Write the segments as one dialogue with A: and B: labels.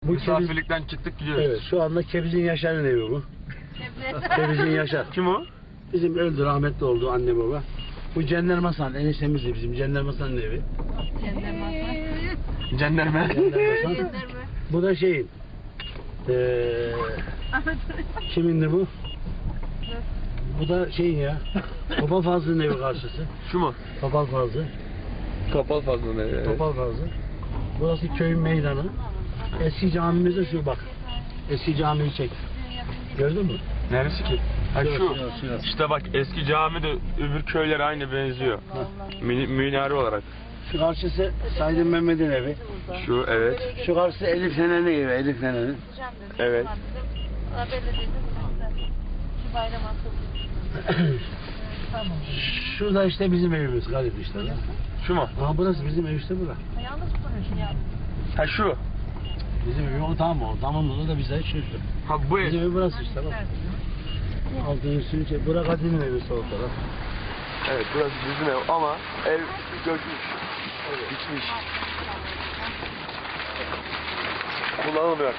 A: Bu
B: Misafirlikten çıktık gidiyoruz.
A: Evet, şu anda Kebiz'in Yaşar'ın evi bu. Kebiz'in Yaşar.
B: Kim o?
A: Bizim öldü, rahmetli oldu anne baba. Bu Cenderme Hasan, eniştemiz de bizim Cenderme Hasan'ın evi.
B: Cenderme.
A: Cenderme Hasan. Bu da şeyin. Kimindi bu? Bu da şeyin ya. Topal Fazlı'nın evi karşısı.
B: Şu mu?
A: Topal Fazlı.
B: Topal fazla ne?
A: Topal Fazlı. Burası köyün meydanı. Eski camimiz de şu bak. Eski camiyi çek. Gördün mü?
B: Neresi ki? Ha şu.
A: Şu.
B: İşte bak eski cami de öbür köylere aynı benziyor. Minare olarak.
A: Şu karşısı Saydın Mehmet'in evi.
B: Şu evet.
A: Şu karşısı Elif Nene'nin evi. Elif Nene'nin.
B: Evet.
A: Şurada işte bizim evimiz garip işte. Lan.
B: Şu mu?
A: Aha burası bizim ev işte bura.
B: Ha şu.
A: Bizim ev o tam o. Tamam burada da bize şu.
B: Ha bu ev.
A: Bizim ev burası işte bak. Altın üstünü çek. Bura Kadir'in evi sol taraf.
B: Evet burası bizim ev ama ev göçmüş. Bitmiş. Kullanılmıyor.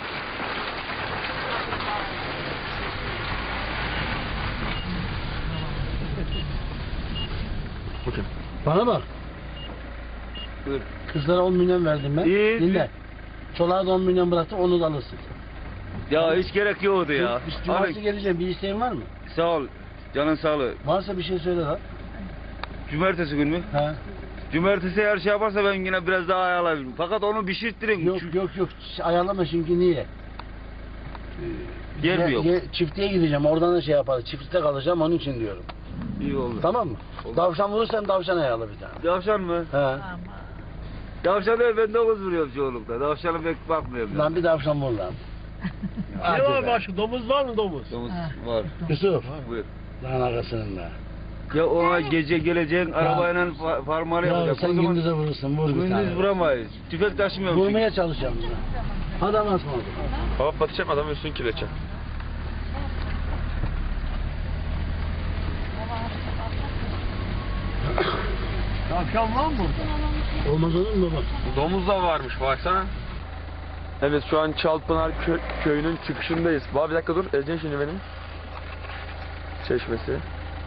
B: Bakın.
A: Bana bak.
B: Buyur.
A: Kızlara 10 milyon verdim ben.
C: İyi.
A: Dinle. Çoluğa da 10 milyon bıraktım onu da alırsın.
C: Ya hiç gerek yoktu ya.
A: Cumartesi
C: Abi,
A: geleceğim. Bir isteğin var mı?
C: sağ ol. Canın sağlığı.
A: Varsa bir şey söyle lan.
C: Cumartesi gün mü?
A: He.
C: Cumartesi eğer şey yaparsa ben yine biraz daha ayarlayabilirim. Fakat onu pişirttirin.
A: Yok. Ayarlama çünkü niye?
C: Yer mi yok?
A: Çiftliğe gideceğim. Oradan da şey yaparız. Çiftlikte kalacağım onun için diyorum.
C: İyi oldu.
A: Tamam mı?
C: Oldu.
A: Davşan vurursan davşan ayarla bir tane.
C: Davşan mı?
A: He.
C: Davşan değil, ben 9 vuruyorum çoğunlukla. Davşana pek bakmıyorum.
A: Lan bir davşan vur lan.
D: Ne var başka? Domuz var mı domuz?
C: Domuz var.
A: Yusuf.
C: Buyur.
A: Lan arkasının da.
C: Ya ona gece geleceğin arabayla farmalı
A: Ya
C: yapacak.
A: sen
C: O zaman
A: gündüze vurursun. Vur bir tane.
C: gündüz vuramayız. Tüfek taşımıyorum çünkü.
A: Vurmaya çalışacağım buna. Adam atma.
B: Hava batacak adamın üstünü kirletecek.
D: Tavşan var mı burada?
A: Olmaz olur mu baba?
B: Domuz da varmış baksana. Evet şu an Çalpınar köyünün çıkışındayız. Baba bir dakika dur. Ezeceksin şimdi benim. Çeşmesi.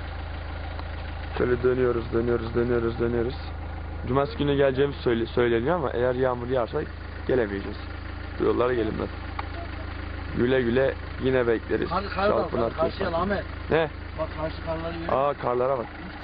B: Şöyle dönüyoruz. Cumartesi günü geleceğimiz söyleniyor ama eğer yağmur yağarsa gelemeyeceğiz. Bu yollara gelinmez. Güle güle yine bekleriz.
A: Hadi kar var.
B: Çalpınar
A: Karşıya
B: köyü.
A: Ahmet.
B: Ne?
A: Bak karşı karları görüyor musun?
B: Aa karlara bak.